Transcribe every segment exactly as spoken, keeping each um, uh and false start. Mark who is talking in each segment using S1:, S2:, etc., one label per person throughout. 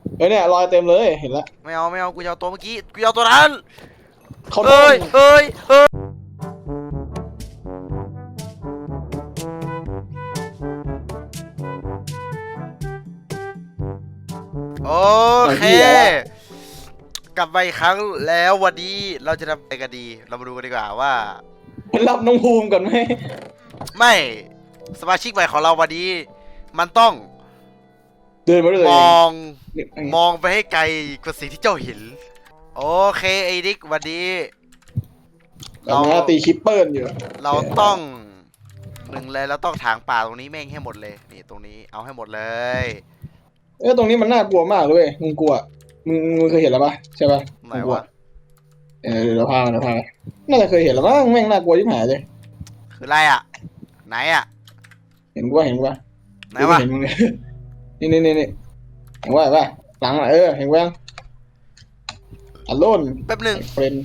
S1: เฮ้ยเนี่ยรอยเต็มเลยเห็นแล้ว
S2: ไม่เอาไม่เอากูจะเอาตัวเมื่อกี้กูจะเอาตัวนั้น
S1: เขาโด
S2: เอ้
S1: น
S2: ยเอ้ยเอ้ยโอเคกลับมาอีกครั้งแล้ววันนี้เราจะทำอะไรกันดีเรามาดูกันดีกว่าว่า
S1: มันรับน้องภูมิก่อนไหม
S2: ไม่สมาชิกใหม่ของเราวันนี้มันต้อง
S1: เดินมาด้วย
S2: ม
S1: ตัวเอง
S2: องมองไปให้ไกลกว่าสิ่งที่เจ้าเห็นโอเคไอ้ดิกวันนี้
S1: เราตีคิปเปิลอยู่
S2: เราต้องหนึ่งเลยเราต้องถางป่าตรงนี้แม่งให้หมดเลยนี่ตรงนี้เอาให้หมดเลย
S1: เออตรงนี้มันน่ากลัวมากเลยมึงกลัวมึงมึงเคยเห็นแล้วปะใช่ปะ
S2: ไหนวะ
S1: เออเดี๋ยวเราพาเราพาน่าจะเคยเห็นแล้วมั้งแม่งน่ากลัวที่หายเลย
S2: คืออะไรอ่ะไหนอ่ะ
S1: เห็นกูว่าเห็นกูว่า
S2: ไหนวะ
S1: เห็นมึงเลยนี่นี่นี่นี่เห็นว่าเห็นว่าหลังอ่ะเออเห็นกูยังอัลโลน
S2: แป๊บหนึ่ง
S1: เฟรน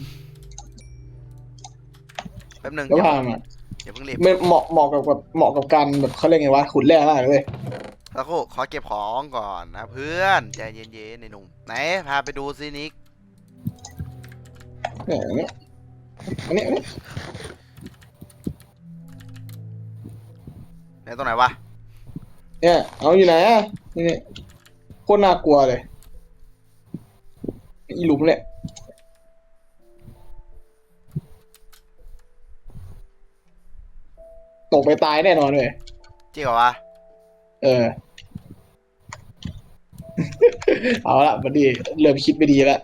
S2: แป๊บหนึ่ง
S1: แล้วพามา
S2: อย่าเพิ่งรีบ
S1: ไม่เหมาะเหมาะกับแบบเหมาะกับการแบบเขาเรียกไงวะขุดแร่มากเลย
S2: แล้วก็ขอเก็บของก่อนนะเพื่อนใจเย็นๆในหนุ่มไหนพาไปดูซินิก
S1: เนี่ยอันนี้อันนี้อันนี้
S2: ไหนตรงไหนวะ
S1: เนี่ยเอาอยู่ไหนอ่ะนี่โคตรน่ากลัวเลยอีหลุมเนี่ยตกไปตายแน่นอนเลย
S2: จริงเหรอวะ
S1: เออเอาละบัดดี้เริ่มคิดไม่ดีแล้ว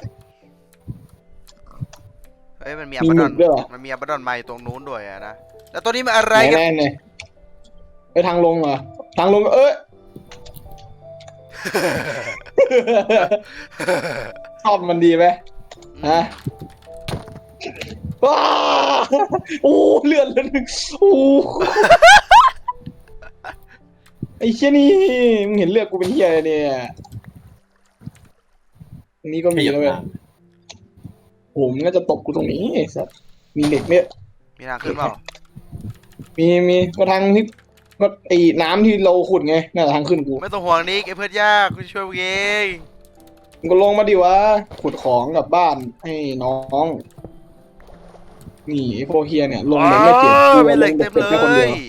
S2: เฮ้ยมันมีอับดอนมันมีอับดอนมาอยู่ตรงนู้นด้วยอะนะแล้วตัวนี้มันอะไรกัน
S1: แน่ๆเนี่ยไปทางลงเหรอทางลงเอ้ยชอบมันดีไหมฮะว้าโอ้เลือดเลยโอ้ไอ้เชี่ยนี่มึงเห็นเลือดกูเป็นเหี้ยอะไรเนี่ยอันนี้ก็มีแล้วเว้ยโหมึงน่าจะตบกูตรงนี้ไอ้สัสมีเหล็กเนี่ย
S2: มีทางขึ้นเปล่า
S1: มีมีก็ทางที่ก็ไอ้น้ำที่เราขุดไงน่าจะทางขึ้นกู
S2: ไม่ต้องห่วงนิกไอ้เพื่อนยากกูช่วยมึงเอง
S1: มึงก็ลงมาดิวะขุดของกลับบ้านให้น้องนี่ไอ้พวกเฮียเนี่ยลงแบบไม่เก็บกู
S2: ไม่เห
S1: ล
S2: ล็ก
S1: งแบ
S2: เต็มเล
S1: บเก็บแค่คนเดีย
S2: ย
S1: ว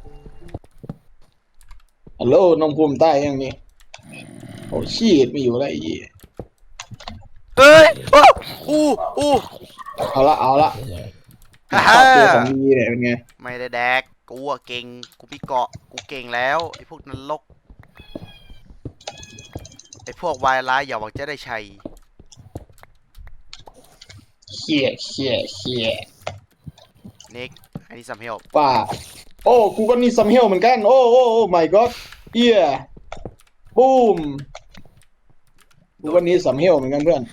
S1: ฮัลโหลน้องภูมิใต้ยังนี่โอ้ชีดไม่อยู่แล้วไอ้
S2: เฮ้ยอู้อู้
S1: เอาละเอาละ
S2: ฮ่า
S1: ช
S2: ฮ่า
S1: อบตัวของดีเนี่ยเป็นไง
S2: ไม่ได้แดกกูอะเก่งกูมีเกาะกูเก่งแล้วไอ้พวกนรกไอ้พวกวายร้ายอย่าหวังจะได้ชัย
S1: เขี่ยเขี่ยเขี่ย
S2: นิกอันนี้ซัมเฮล
S1: ป่าโอ้กูก็นี่ซัมเฮลเหมือนกันโอ้โอ้โอ้ my god เฮียบูมกูก็นี่ซัมเฮลเหมือนกันเพื่อน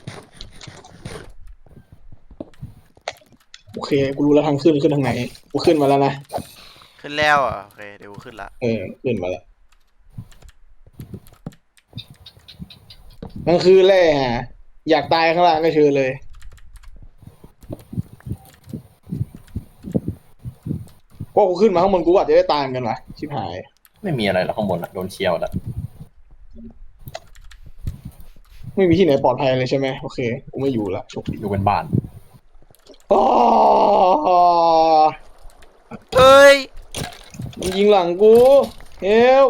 S1: โอเคกูรู้แล้วทางขึ้นขึ้นทางไหนกูขึ้นมาแล้วนะ
S2: ขึ้นแล้วอ่ะโอเคเดี๋ยวกูขึ้นละ
S1: เออขึ้นมาแล้วมันคือแร่ฮะอยากตายข้างล่างก็เชิญเลยพวกกูขึ้นมาข้างบนกูอาจจะได้ตายเหมือนกันวะชิบหาย
S3: ไม่มีอะไรแล้วข้างบนอะโดนเชียวแล้ว
S1: ไม่มีที่ไหนปลอดภัยเลยใช่ไหมโอเคกูไม่อยู่ละโชคดี
S3: อยู่เป็นบ้าน
S1: อ๋อ
S2: เอ้ย
S1: มันยิงหลังกูเฮล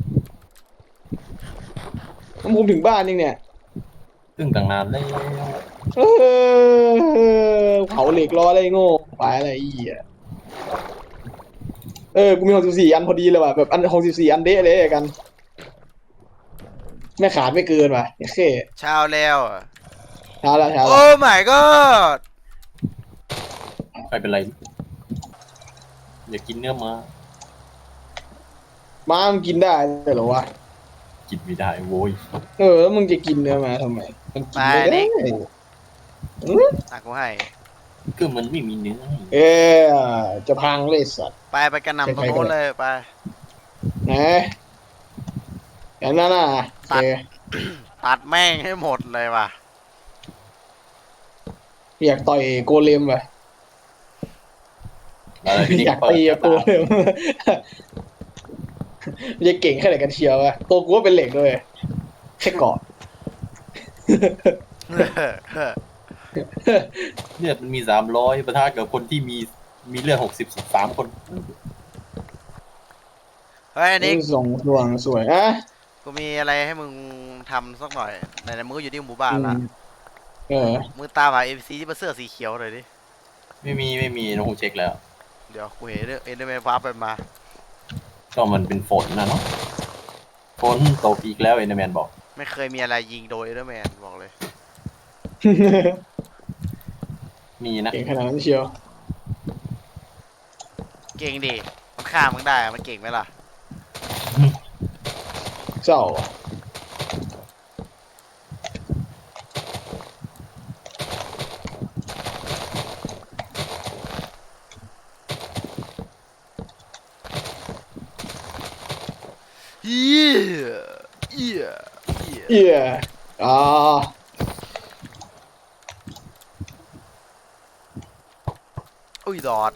S1: มันภูมิถึงบ้านยังเนี่ย
S3: ซึ่งตั้งนานแล้ว
S1: เออเผาเหล็กรออะไรโง่ไปอะไรอีอ่ะเออกูมีหกสิบสี่อันพอดีเลยว่ะแบบอันหกสิบสี่อันเดะเลยกันไม่ขาดไม่เกินว่ะโอเค
S2: เช้าแล้ว
S1: เช้าแล้วเช้า
S2: โอ้
S1: แล้ว
S2: my god
S3: ไม่เป็นไรอย่ากินเนื้อมา
S1: ม้ามันกินได้เหรอวะ
S3: กินไม่ได้โว้ย
S1: เออแล้วมึงจะกินเนื้อมาทำไมมันกินไม่ได้
S2: ตักกูให้
S3: ก็มันไม่มีเนื้อ
S1: เออจะพังเลยสัตว์
S2: ไปไปกันนำตรงโน้นเลยไป
S1: นะอย่างนั้นน่ะ
S2: ตัดตัดแม่งให้หมดเลยว่ะ
S1: อยากต่อยโกเลมว่ะอยากตีโกเลมจะเก่งแค่ไหนกันเชียววะตัวกูก็เป็นเหล็กด้วยแค่เกาะ
S3: เลือดมันมีสามร้อยปะทะกับคนที่มีมีเลือดหกสิบสามคน
S2: เฮ้ยนิก
S1: ส่งสว่างสวยอ่ะ
S2: กูมีอะไรให้มึงทำสักหน่อยไหนๆมึงก็อยู่ที่หมู่บ้านละ
S1: เออ
S2: มึงตามหาเอ็มซีที่เป็นเสื้อสีเขียวหน่อยดิ
S3: ไม่มีไม่มีน้องกูเช็คแล้ว
S2: เดี๋ยวกูเห็นเอ็นเดอร์แมนวาร์ปไปมา
S3: ก็มันเป็นฝนนะเนาะฝนตกอีกแล้วเอ็นเดอร์แมนบอก
S2: ไม่เคยมีอะไรยิงโดยเอ็นเดอร์แมนบอกเลย
S3: มีนะ
S1: เก่งขนาดนั้นเชียว
S2: เก่งดิมันฆ่ามึงได้อะมันเก่งไหมล่ะ
S1: เจ้าอ่ะ
S2: เฮียเฮียเฮีย
S1: เอี่ยอ่า
S2: อุ้ยดอด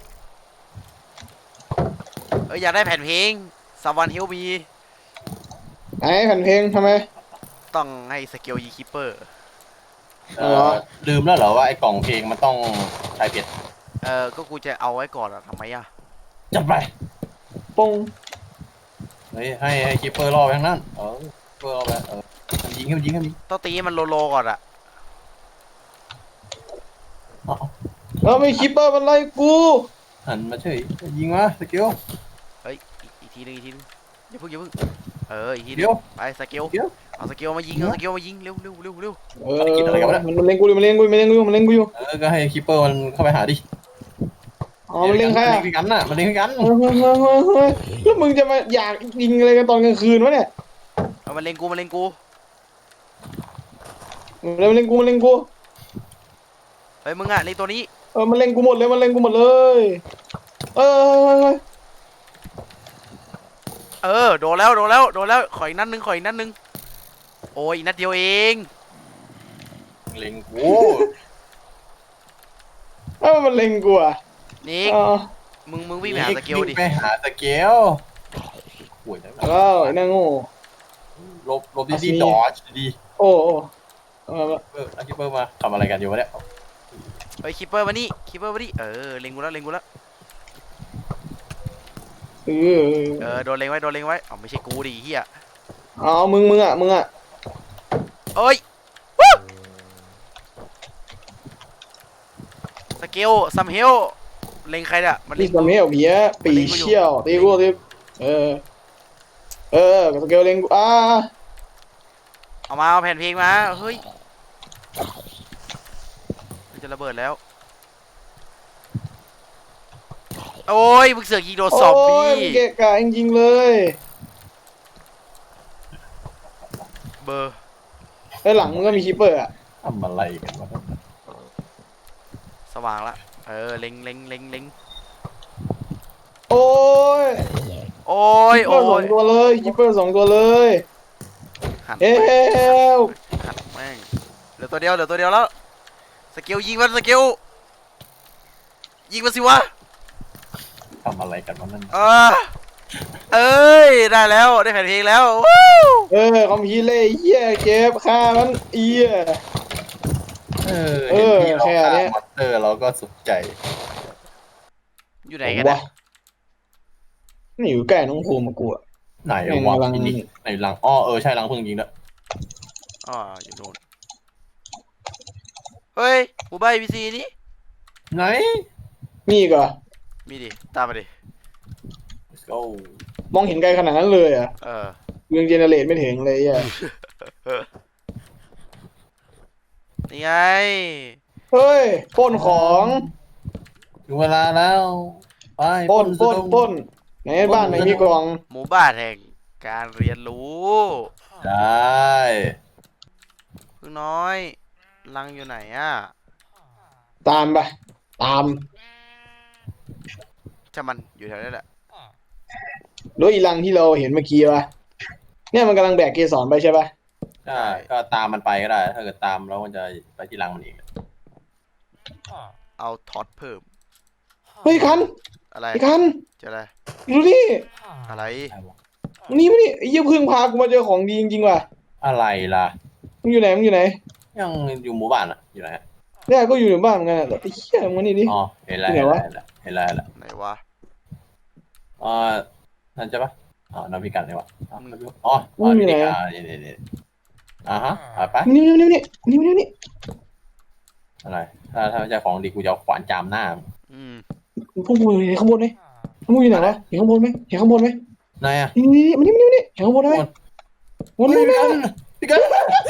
S2: เอ้ยอยากได้แผ่นเพลง Someone Help Me
S1: ไหนแผ่นเพลงทำไม
S2: ต้องให้สเกลยีคิปเปอร์
S3: เออลืมแล้วเหรอว่าไอ้กล่องเพลงมันต้องใช้เพชร
S2: เออก็กูจะเอาไว้ก่อนอะทำไมอะ
S3: จับไป
S1: ปง
S3: เฮ้ยให้ให้คีเปอร์รอไปทั้งนั้นเออคีเปอร์รอไปเออมันยิงให้มันยิงให้มันยิง
S2: ต้องตีให้มันโลโลก่อนอะ
S3: อ๋อ
S1: แล้วไม่คิปเปอร์มันไล่กู
S3: หันมาเฉยยิงมาสกิล
S2: เฮ้ยอีกอีกทีนึงอีกทีนึงอย่าเพิ่งอย่าเพิ่งเอออีกทีนึ
S3: เดี๋
S2: ง
S3: ยว
S2: ไปสเกล
S3: เดี๋ยว
S2: เอาสเกลมายิงเอาสเกลมายิงเร็วเร็วเร็วเร็ว
S1: เออมันมันเล็งกูอยู่มันเล็งกูอยู่มันเล็งกูอยู่มันเล็งกูอยู่
S3: เออก็ให้คีเปอร์มันเข้าไปหาดิ
S1: อ๋อมันเล็งใคร
S3: มัน
S1: อ่ะ
S3: เล็งกันน่ะมันเล็งกัน
S1: เฮ้ยเฮ้ยเฮ้ยเฮ้ยเฮ้ยแล้วมึงจะมาอยากยิงอะไรกันตอนกลางคืนวะเนี่ย
S2: เอามาเล็งกูมาเล็งกู
S1: มันเล็งกูมันเล็งกู
S2: เฮ้ยมึงอะเล็งตัวนี้
S1: เออมันเล็งกูหมดเลยมันเล็งกูหมดเลยเออเฮ้ยเฮ้ย
S2: เออโดนแล้วโดนแล้วโดนแล้วขออีกนัดนึงขออีกนัดนึงโอ้ยอีกนัดเดียวเอง
S3: เล็งกู
S1: เออมันเล็งกูอ่ะ
S2: นิก
S1: อ๋อ
S2: มึงมึงวิ่งไปหาสเกลดิ
S3: วิ่งไปหาสเกลห่วยนะ
S1: แล้วไอ้นางโง่
S3: ลบลบดีดีดอชดี
S1: โอ้โอ้เออ
S3: เอออาคิเปอร์มาทำอะไรกันอยู่วะเนี่ย
S2: เฮ้ยคิปเปอร์มานี่คิปเปอร์มานี่เออเล็งกูแล้วเล็งกูแล้ว
S1: เออ
S2: เออโดนเล็งไว้โดนเล็งไว้อ๋อไม่ใช่กูดิเฮีย
S1: เอามึงมึงอ่ะมึงอ่ะ
S2: เอ้ยวู้สเกลซัมเฮลเล็งใครเนี่ยมัน
S1: นี่
S2: เล็ง
S1: สมัยเอาเบียปีเชี่ยวตีกูตีเออเออสเกลเล็งกูอ่า
S2: เอามาเอาแผ่นเพลงมาเฮ้ยมันจะระเบิดแล้วโอ้ยมึงเสือกยิงโดนซอมบี้
S1: โยเกะกะจริงๆเลย
S2: เบอร์
S1: ไอ้หลังมึงก็มีคิปเปอร์อ่ะ
S3: ทำอะไรกันวะ
S2: สว่างละเออเล็งเล็งเล็งเล็ง
S1: โอ้ย
S2: โอ้ย
S1: คิปเป
S2: โอ้
S1: อร์สอง
S2: ย
S1: ตัวเลยคิปเปอร์สองตัวเลย
S2: หัน
S1: เอ้
S2: แม่ง
S1: ว
S2: หันแม่งเหลือตัวเดียวเหลือตัวเดียวแล้วสเกลยิงมันสเกลยิงมันสิวะ
S3: ทำอะไรกันวะนั่น
S2: เออเอ้ยได้แล้วได้แผ่นเพลงแล้ววู้
S1: เออคอมพิวเล่เหี้ยเก็บฆ่ามันเอี้ย
S3: เออ
S1: เอ
S3: เห็น
S1: อ
S3: ที่เรา
S1: แค่
S3: ฆ่า
S1: เนี้ย
S3: มอนสเตอร์เราก็สุขใจ
S2: อยู่ไหนกันนะ
S1: นี่อยู่ใกล้น้องภูมิมากลัว
S3: ไหน
S1: แม่ง
S3: วะ
S1: กำลัง
S3: ที่นี่ไหนหลังอ้อเออใช่หลังพึ่งจริงด้วย
S2: อ๋ออยู่โน่นเฮ้ยหมู่บ้านพีซีนี่
S3: ไหน
S1: นี่ก็
S2: มีดิตามมาดิ
S3: let's go
S1: มองเห็นไกลขนาดนั้นเลยอ่ะ
S2: เออ
S1: ยังเจเนเรตไม่ถึงเลยอ่ะ
S2: นี่ไง
S1: เฮ้ยปล้นของ
S3: ถึงเวลาแล้วไป
S1: ปล้นปล้น
S3: สะดง
S1: ปล้นไหนบ้านไหนมีกล่อง
S2: หมู่บ้านแห่งการเรียนรู้
S3: ได้
S2: พึ่งน้อยลังอยู่ไหนอ่ะ
S1: ตามไปตาม
S2: จะมันอยู่แถวนี้แหละ
S1: ด้วยอีลังที่เราเห็นเมื่อกี้ปะเนี่ยมันกำลังแบกเกสรไปใช่ปะ
S3: ใช่ก็ตามมันไปก็ได้ ถ้าเกิดตามแล้วมันจะไปที่รังมันเอง
S2: เอาท็อตเพิ่ม
S1: เฮ้ยคัน
S2: อะไร
S1: ไอ้คัน
S2: เจะอะไร
S1: ดูนี่
S2: อะไร
S1: นี่มานี่ไอ้เยี่ยพึ่งพากูมาเจอของดีจริงๆว่ะ
S3: อะไรล่ะ
S1: มึงอยู่ไหนมึงอยู่ไหน
S3: ยังอยู่หมู่บ้านอ่ะอยู่ไหน
S1: เนี่ยก็อยู่ในบ้านเหมือนกันแต่ไอ้เหี้ยมันนี่ดิ
S3: อ๋อเห็นแล้วเห็นแล้วเห็นแล้วเห็นแล้วเห็นแล้ว
S2: ไหนวะ
S3: อ่านั่นใช่ปะอ๋อน้ำพิกันเลยวะอ๋ออ๋ออ๋อนี่นี่อ่านี่นี่นี่อ่าฮะไป
S1: นี่นี่นี่นี่นี่นี่
S3: อะไรถ้าถ้าไม่ใช่ของดีกูจะขวานจามหน้า
S2: อืม
S1: พวกมึงเห็นข้างบนไหมข้างบนอยู่ไหนวะเห็นข้างบนไหมเห็นข้างบนไหม
S3: ไหนอ่ะ
S1: นี่นี่นี่มันนี่มันนี่เห็นข้างบนไหมบน
S3: พี่
S1: นี่
S3: กันพี่กัน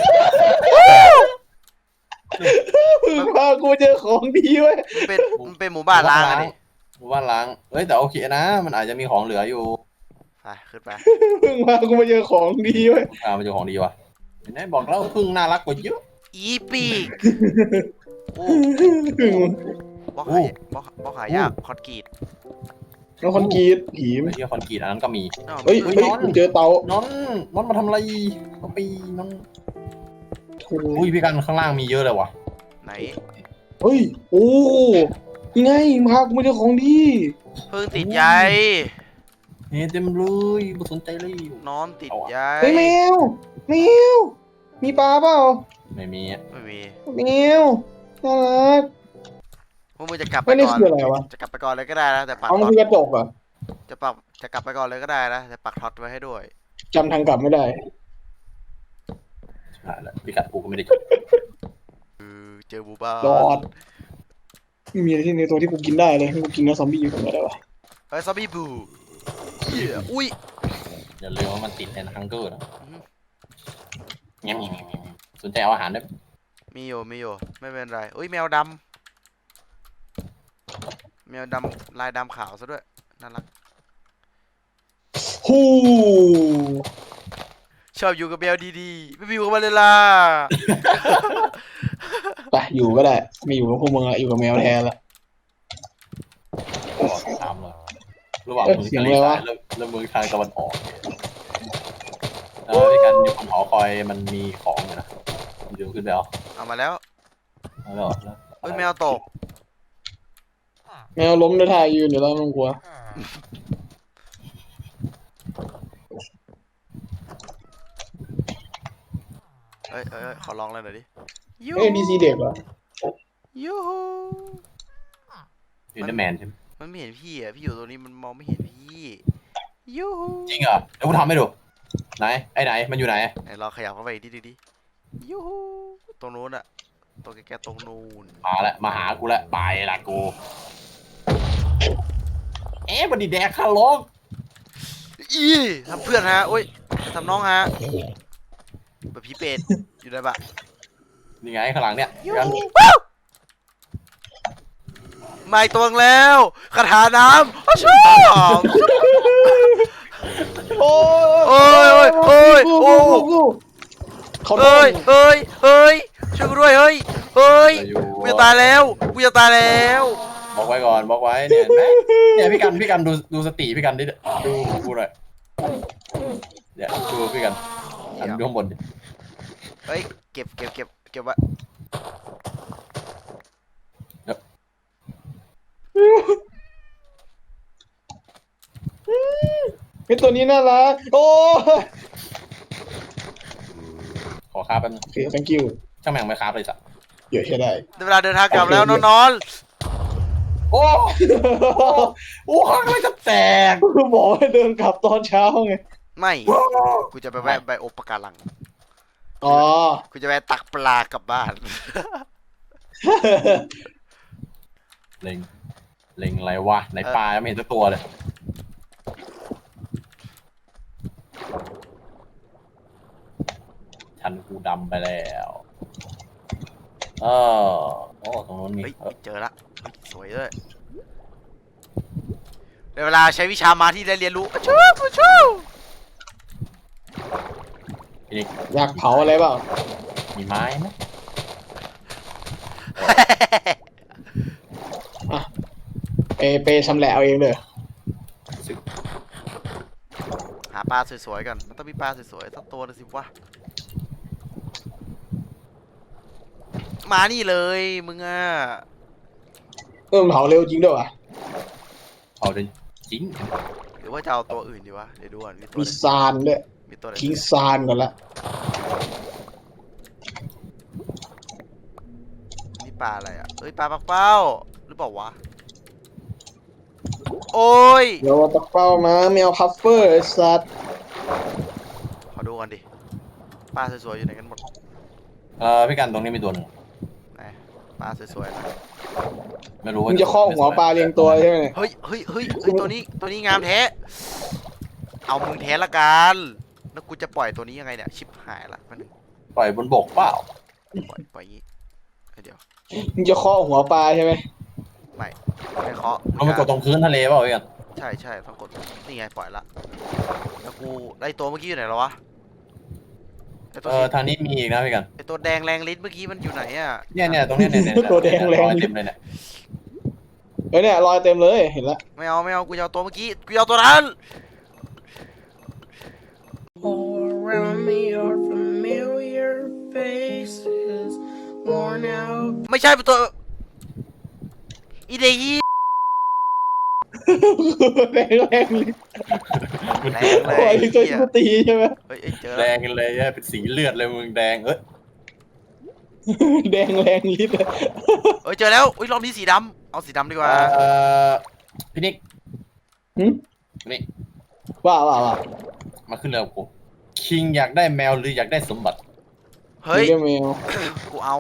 S1: มึงพากูเจอของดีเว้ย
S2: มันเป็นมันเป็นหมู่บ้านล้างอะดิ
S3: หมู่บ้านล้างเฮ้ยแต่โอเคนะมันอาจจะมีของเหลืออยู่
S2: ไปขึ้นไป
S1: มึงพากูมาเจอของดีเว้ย
S3: อ่ามันจะของดีวะเห็นไหมบอกแล้วพึ่งน่ารักกว่าเยอะ
S2: อีปีกโอ้
S1: พึ่ง
S2: บล็อกหายบล็อกบล็อกหายากคอนกรีต
S1: น้องคอนกรีตผีม
S3: ไอ้ที่คอนกรีตอันนั้นก็มี
S2: อ้าว
S1: เฮ้ย
S2: มัน
S1: เฮ้ยกูเจอเตา
S3: น้องน้องมาทำอะไรก็ปีน้องอุ้ยพี่กันข้างล่างมีเยอะเลยว่ะ
S2: ไหน
S1: เฮ้ยโอ้ยังไงมึงพากูมาเจอของดี
S2: เพิ่งติดใย
S3: เฮ้ยเต็มเลยไม่สนใจเลย
S2: นอนติดใย
S1: เฮ้ยแมวแมวมีปลาเปล่า
S3: ไม่มีอ่ะ
S2: ไม่มี
S1: แมวน่ารัก
S2: พวกมึงจะกลับไป
S1: เฮ้ยนี่
S2: ก่อน
S1: คืออะไรวะ
S2: จะกลับไปก่อนเลยก็ได้นะแต่ปัก
S1: เอามัน
S2: ท็อ
S1: คื
S2: ต
S1: อกระจกเหรอ่ะ
S2: จะปักจะกลับไปก่อนเลยก็ได้นะแต่ปักท็อตไว้ให้ด้วย
S1: จำทางกลับไม่ได้
S3: อ่าแล้วพี่กัดกูก็ไม่ได้กิน
S2: เออเจอบูบ้าร
S1: อดไม่มีอะไรที่ในตัวที่กูกินได้เลยให้กูกินแล้วซอมบี้อยู่ตรงไหนได้วะ
S2: เฮ้ยซอมบี้บูเหี้ยอุ้ย
S3: อย่าลืมว่ามันติดในฮังเกอร์นะ
S2: อือฮึ
S3: แง่มๆสนใจเอาอาหารได้
S2: มีอยู่มีอยู่ไม่เป็นไรอุ้ยแมวดำแมวดำลายดำขาวซะด้วยน่ารัก
S1: ฮู้
S2: ชอบอยู่กับแมวดีๆไม่ไปอยู่กับมันเลยล่ะ
S1: ไปอยู่ก็ได้ไม่อยู่กับพวกมึงอะอยู่กับแมวแทนละ
S3: ก็ตามเลยระหว่าง
S1: เอ๊ะ
S3: เมือง
S1: เสียง
S3: ทะเล
S1: อะไร
S3: ทรา
S1: วะ
S3: ยเริ่มเริ่มเมืองทางตะวันออกเนี่ยแล้วพี่กันอยู่บนหอคอยมันมีของอยู่นะมันอยู่ขึ้นไปเอา
S2: เอามาแล้ว
S3: เอาแล้วแล้ว
S2: เอ้ยแมวตก
S1: แมวล้มในท่ายืนเดี๋ยวเราไม่ต้องกลัว
S2: เอ้ยเอ้ยเอ้ยขอลองเลยหน่อยดิยู
S1: เอ้ยดีซีเด็กเหรอ
S2: ยูฮู
S3: อินเดอร์แมนใช่ไหม
S2: มันไม่เห็นพี่อ่ะพี่อยู่ตรงนี้มันมองไม่เห็นพี่ยูฮู
S3: จริงเหรอเดี๋ยวกูทำให้ดูไหนไอ้ไหนมันอยู่ไหน
S2: ไหนลองขยับเข้าไปอีกนิดดิยูฮูตรงนู้นอะตรงแกๆตรงนู้น
S3: มาแล้วมาหากูแล้วไปละกูเอ๊ะบันดีแดกคาร์ลอก
S2: อีทำเพื่อนฮะโอ้ยทำน้องฮะแบบพี่เป็ดอยู่ได้ปะ
S3: นี่ไงข้างหลังเนี่ย
S2: ยู
S3: กัน
S2: ฮูว้าวมาอีกตัวนึงแล้วคาถาน้ำอ้าวชอบ
S1: โอ้
S2: โอ้ยโอ้ยโอ้ยโอ้
S1: เขาโด
S2: เฮ้ย
S1: น
S2: เฮ้ยเฮ้ยช่วยกูด้วยเฮ้ยเฮ้ย
S3: อยู่
S2: กูจะตายแล้วกูจะตายแล้ว
S3: บอกไว้ก่อนบอกไว้เนี่ยเห็นไหมเนี่ยพี่กันพี่กันดูดูสติพี่กันดิดูกูหน่อยเนี่ยดูพี่กันอันดูข้างบนดิ
S2: เฮ้ยเก็บเก็บเก็บเก็บไว้
S1: ไอ้ตัวนี้น่ารักโอ้
S3: ขอคาบแป๊บนึง
S1: โอเค thank you
S3: ช่างแม่งไม่คาบเลยสัตว์
S1: เยอะใช่ได้
S2: เวลาเดินทางกลับแล้วนอนนอน
S3: โอ้โอ้ข้างอะไรจะแตก
S1: กูบอกให้เดินกลับตอนเช้าไง
S2: ไม่กูจะไปแวะไปโอปะการัง
S1: อ๋อ
S2: กูจะแวะตักปลากลับบ้าน
S3: เล็งเล็งอะไรวะไหนปลาไม่เห็นสักตัวเลยฉันกูดำไปแล้วเออโอ้ตรงนู้นมี
S2: เฮ้ย
S3: เออ
S2: เจอละเฮ้ยสวยด้วยเวลาใช้วิชามาที่ได้เรียนรู้อะชูอะชู
S3: พี่นิก
S1: อยากเผาอะไรเปล่า
S3: มีไม้ไหม
S1: ไปไปชำแหละเอาเองเลย
S3: สึก
S2: หาปลาสวยๆกันมันต้องมีปลาสวยๆสักตัวนึงสิวะมานี่เลยมึงอ่ะ
S1: เออมันเผาเร็วจริงด้วยวะ
S3: เอาดิจริง
S2: หรือว่าจะเอาตัวอื่นดีวะเดี๋ยวดูก่อนมีตัว
S1: มี
S2: ไหน
S1: ซานด้วย
S2: มีตัวไหน
S1: ทิ้งซานก่อนละ
S2: ปลาอะไรอ่ะเอ้ยปลาปักเป้าหรือเปล่าวะโอ้ย
S1: เดี๋ยวเอาปักเป้ามาแมวพัฟเฟอร์ไอ้สัตว์
S2: ขอดูกันดิปลาสวยๆอยู่ไหนกันหมด
S3: เออพี่กันตรงนี้มีตัวหนึ่ง
S2: ไหนปลาสวยๆนะ
S3: ไม่รู้ว่า
S1: มึงจะข้อหัวปลาเรียงตัวใช่ไหมเนี่ย
S2: เฮ้ยเฮ้ยเฮ้ยเฮ้ยตัวนี้ตัวนี้งามแท้เอามึงแท้ละกันแล้วกูจะปล่อยตัวนี้ยังไงเนี่ยชิบหายละมัน
S3: ปล่อยบนบกเปล่า
S2: ปล่อยปล่อยอย่างงี้เฮ้ยเดี๋ยว
S1: มึงจะข้อหัวปลาใช่ไหม
S2: ไม่ไม่เคาะ
S3: เอามันกดตรงพื้นทะเลเปล่าพี่กัน
S2: ใช่ใช่ต้องกดนี่ไงปล่อยละแล้วกูไอตัวเมื่อกี้อยู่ไหนแล้ววะไอตัว
S3: เออทางนี้มีอีกนะพี่กัน
S2: ไอตัวแดงแรงลิ้นเมื่อกี้มันอยู่ไหนอ่ะ
S3: เนี่ยเนี่ยตรงเนี้ยเนี่ยเนี่ย
S1: ตัวแดงแรง
S3: เต็มเลยเนี่ย
S1: เฮ้ยเนี่ยรอยเต็มเลยเห็นละ
S2: ไม่เอาไม่เอากูจะเอาตัวเมื่อกี้กูจะเอาตัวนั้น
S4: All around me are familiar faces, worn out.
S2: ไม่ใช่เป็นตัวอีเดีย
S1: แรงแรงเลย
S2: แรงเล
S1: โอ้
S2: ย
S1: ยตัวกูตีใช่ไหม
S2: เฮ้ยเอ้ยเจอ
S3: แด
S2: แล้ว
S3: งกันเลยเนี่ยเป็นสีเลือดเลยมึงแดงเอ้ย
S1: แดงแรงลิตร
S2: เอ้ยเจอแล้วอุ้ยรอบนี้สีดำเอาสีดำดีกว่า
S3: เออพี่นิก
S1: หึ
S3: นี่
S1: ว่าว่าว่า
S3: มาขึ้นเรือกับกูคิงอยากได้แมวหรืออยากได้สมบัติ
S2: เฮ้ย
S1: เรียกแมว
S2: กูเอา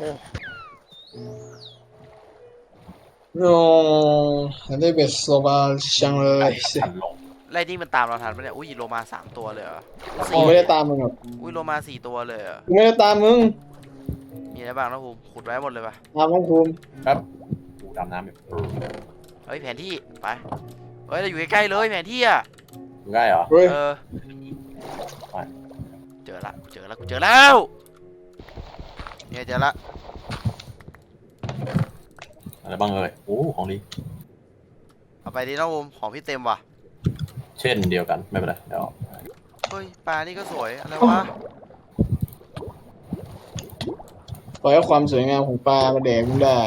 S1: โอ้ได้เบสโซบาชังเลย
S3: ฉันลง
S2: ไล่นี่มันตามเราทันปะเนี่ยอุ้ยโลมาสามตัวเลยเหรอ
S1: กูไม่ได้ตามมึงหรอก
S2: อุ้ยโลมาสี่ตัวเลยเหรอ
S1: กูไม่ได้ตามมึง
S2: มีอะไรบ้างนะภูมิขุดไว้หมดเลยปะ
S1: ตามของภูมิ
S3: ครับกูดำน้ำอยู่
S2: เฮ้ยแผนที่ไปเฮ้ยเราอยู่ใกล้ๆเลยแผนที่อ่ะ
S3: อยู่ง่ายเหรอ
S1: เฮ้ย
S2: เออ
S3: ไป
S2: เจอละกูเจอละกูเจอแล้วเนี่ยเจอละ
S3: อะไรบ้างเลยโอ้ของดี
S2: เอาไปดิน้องภูมิของพี่เต็มว่ะ
S3: เช่นเดียวกันไม่เป็นไรเดี๋ยว
S2: เฮ้ยปลานี่ก็สวยอะไรวะ
S1: ปล่อยให้ความสวยงามของปลามาแดกมึงได้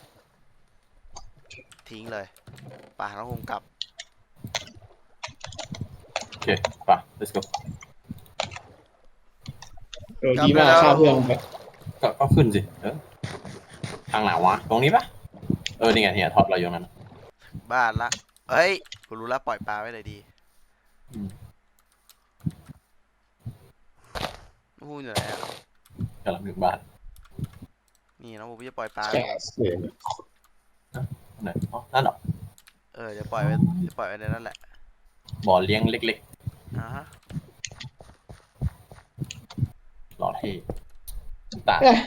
S2: ทิ้งเลยปลาน้องภูมิกลับ
S3: โอเคไป let's go
S1: เออดีมากฆ่าเพื่อนไป
S3: ก็ก็ขึ้นสิเออทางไหนวะตรงนี้ปะเออนี่ไงเนี่ยท็อปเราอยู่ตรงนั้น
S2: บ้านละเฮ้ยกูรู้แล้วปล่อยปลาไว้เลยดี
S3: อืม
S2: น้องภูมิอยู่ไหนอ่ะ
S3: กำลังถึงบ้าน
S2: นี่น้องภูมิจะปล่อยปลา
S1: แกสเลย
S3: ไหนอ๋อนั่นเหรอ
S2: เออเดี๋ยวปล่อยไว้เดี๋ยวปล่อยไว้ในนั้นแหละ
S3: บ่อเลี้ยงเล็ก
S2: อ่าฮะ
S3: ๆหล่อเท่ตา
S1: เอ๊ะ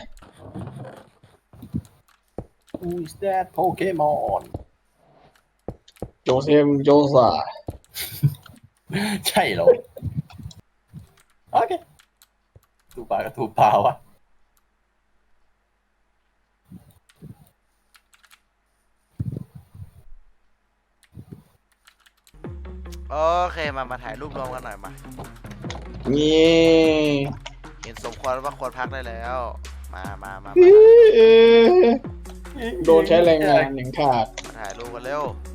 S3: Who is that Pokemon
S1: โจเซมโจซา
S3: ใช่เหรอโอเคตูปลากับตูปลาวะ
S2: โอเคมามาถ่ายรูปรวมกันหน่อยมา
S1: นี่
S2: เห็นสมควรว่าควรพักได้แล้ว มามามา
S1: เอ๊ะโดนใช้แรงงานอย่างขาด
S2: มาถ่ายรูปกันเร็ว